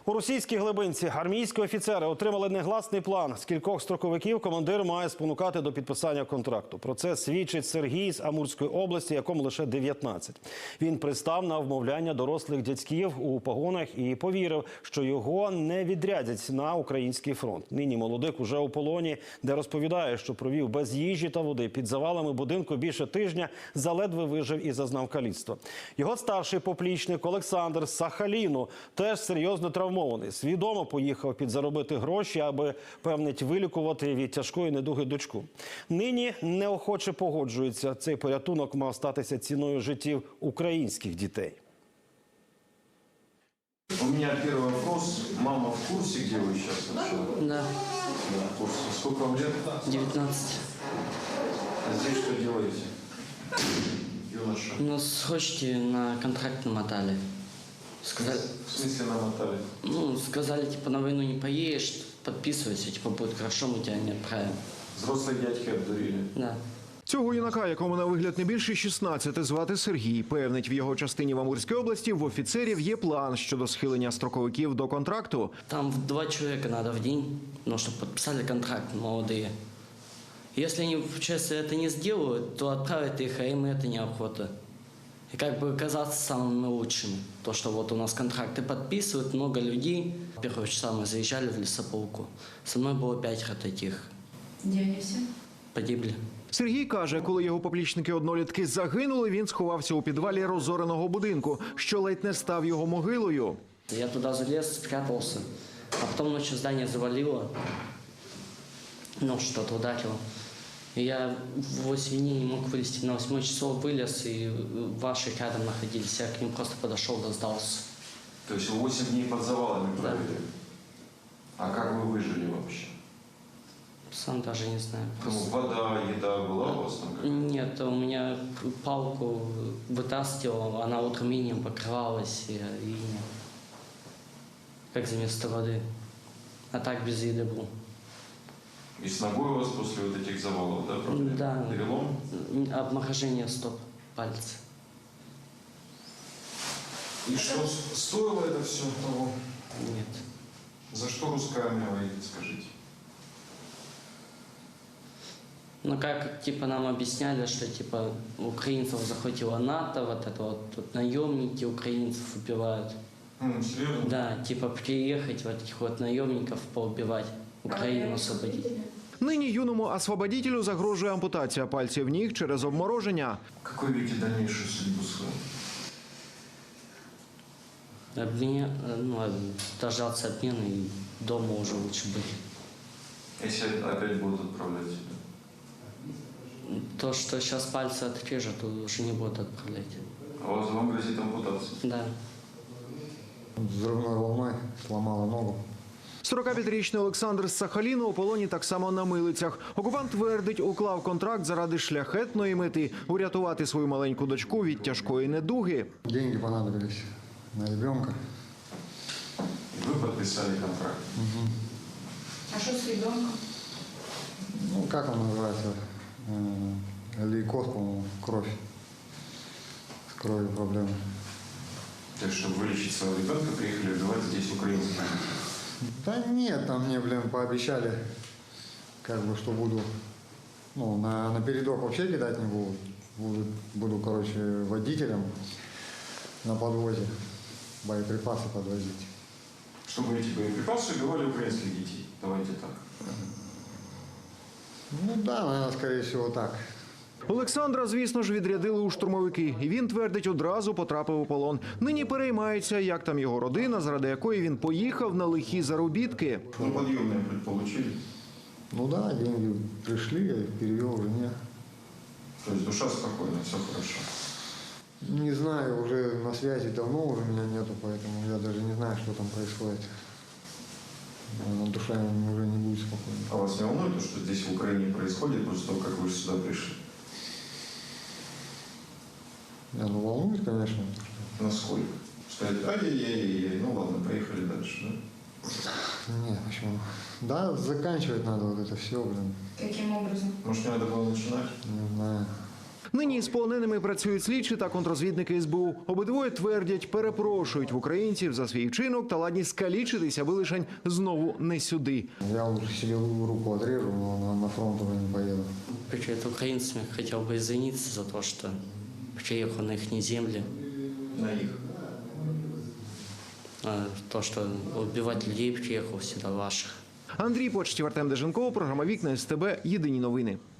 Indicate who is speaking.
Speaker 1: У російській Глибинці армійські офіцери отримали негласний план. З кількох строковиків командир має спонукати до підписання контракту. Про це свідчить Сергій з Амурської області, якому лише 19. Він пристав на вмовляння дорослих дядьків у погонах і повірив, що його не відрядять на український фронт. Нині молодик уже у полоні, де розповідає, що провів без їжі та води під завалами будинку більше тижня, заледве вижив і зазнав каліцтва. Його старший поплічник Олександр з Сахаліну теж серйозно травмований. Свідомо поїхав підзаробити гроші, аби, певнить, вилікувати від тяжкої недуги дочку. Нині неохоче погоджується. Цей порятунок мав статися ціною життів українських дітей.
Speaker 2: У меня первый вопрос. Мама в курсе, где вы сейчас вообще?
Speaker 3: Да,
Speaker 2: Да, в курсе. Сколько вам лет?
Speaker 3: 19.
Speaker 2: А здесь что делаете? Юноша.
Speaker 3: Нас хочете на контракт намотали. Сказали,
Speaker 2: В смысле намотали?
Speaker 3: сказали, типа, на войну не поедешь, подписывайся, типа, будет хорошо, мы тебя не отправим.
Speaker 2: Взрослые дядьки обдурили.
Speaker 3: Да.
Speaker 4: Цього юнака, якому на вигляд не більше 16, звати Сергій. Певнить, в його частині в Амурській області в офіцерів є план щодо схилення строковиків до контракту.
Speaker 3: Там 2 человека надо в день, чтобы подписали контракт молодые. Если они, честно, это не сделают, то отправят их, а им это неохота. И как бы казаться самыми лучшими. То, что вот у нас контракты подписывают, много людей. Первого часа мы заезжали в лесополку. Со мной было 5 таких.
Speaker 5: Где они все?
Speaker 3: Погибли.
Speaker 4: Сергій каже, коли його поплічники-однолітки загинули, він сховався у підвалі розореного будинку, що ледь не став його могилою.
Speaker 3: Я туда залез, спрятался. А потом ночью здание завалило. Что-то ударило. И я в 8 дней не мог вылезти. На 8 часов вылез, и ваши рядом находились. Я к ним просто подошел, да сдался.
Speaker 2: То есть вы 8 дней под завалами
Speaker 3: Да.
Speaker 2: провели? А как вы выжили вообще?
Speaker 3: Сам даже не знаю.
Speaker 2: Ну, вода, еда была у вас там какая-то?
Speaker 3: Нет, у меня палку вытаскивал, она утром инеем покрывалась, и инеем. Как за место воды. А так без еды был.
Speaker 2: И с ногой у вас после вот этих завалов, да, проблемы?
Speaker 3: Да.
Speaker 2: Перелом?
Speaker 3: Обморожение стоп, пальца.
Speaker 2: И что, стоило это все того?
Speaker 3: Нет.
Speaker 2: За что русская армия воюет, скажите?
Speaker 3: Как, типа, нам объясняли, что, типа, украинцев захватило НАТО, вот это вот тут наемники украинцев убивают.
Speaker 2: Серьезно?
Speaker 3: Да, типа, приехать вот этих вот наемников поубивать, Украину освободить.
Speaker 4: Нині юному освободітелю загрожує ампутація пальців ніг через обмороження.
Speaker 2: Какой видите дальнейшую судьбу свою?
Speaker 3: Дождаться обмена и дома уже лучше быть.
Speaker 2: Если опять будут отправлять тебя?
Speaker 3: То, что сейчас пальцы отрежут, уже не будут отправлять.
Speaker 2: А вам грозит ампутация?
Speaker 3: Да.
Speaker 6: Взрывной волной сломала ногу.
Speaker 4: 45-річний Олександр з Сахаліну у полоні так само на милицях. Окупант твердить, уклав контракт заради шляхетної мети – урятувати свою маленьку дочку від тяжкої недуги.
Speaker 6: Деньги понадобились на ребенка.
Speaker 2: И вы подписали контракт?
Speaker 5: А что с ребенком?
Speaker 6: Как он называется? Лейкоз, по-моему, кровь. С кровью проблемы.
Speaker 2: То есть, чтобы вылечить своего ребенка, приехали убивать здесь украинцев?
Speaker 6: Да нет, там мне, пообещали, что буду, на передок вообще кидать не буду. Буду, водителем на подвозе боеприпасы подвозить.
Speaker 2: Чтобы эти боеприпасы убивали украинских детей. Давайте так.
Speaker 6: Да, наверное, скорее всего так.
Speaker 4: Олександра, звісно ж, відрядили у штурмовики. І він, твердить, одразу потрапив у полон. Нині переймається, як там його родина, заради якої він поїхав на лихі заробітки.
Speaker 2: Подъемные получили?
Speaker 6: Да, деньги пришли, я их перевел жене.
Speaker 2: То есть душа спокойна, все хорошо?
Speaker 6: Не знаю, уже на связи давно уже меня нету, поэтому я даже не знаю, что там происходит. Наверное, душа уже не будет спокойна.
Speaker 2: А вас не волнует то, что здесь в Украине происходит после того, как вы сюда пришли?
Speaker 6: Волнует, конечно.
Speaker 2: Насколько? Сказать, ай-яй-яй-яй, ладно, поехали дальше, да?
Speaker 6: Нет, почему? Да, заканчивать надо вот это все,
Speaker 5: Каким образом?
Speaker 2: Может, не надо было начинать?
Speaker 6: Не знаю.
Speaker 4: Нині з полоненими працюють слідчі та контррозвідники СБУ. Обидвоє твердять, перепрошують в українців за свій вчинок та ладні скалічитись, аби лишень знову не сюди.
Speaker 6: Я лучше себе руку отрежу, но на фронт уже не поеду.
Speaker 3: Перед украинцами хотел бы извиниться за то, что приехал на их земли.
Speaker 2: На их.
Speaker 3: То, что убивать людей приехал всегда ваших.
Speaker 4: Андрій Почтів, Артем Деженков, програма «Вікна СТБ». Єдині новини.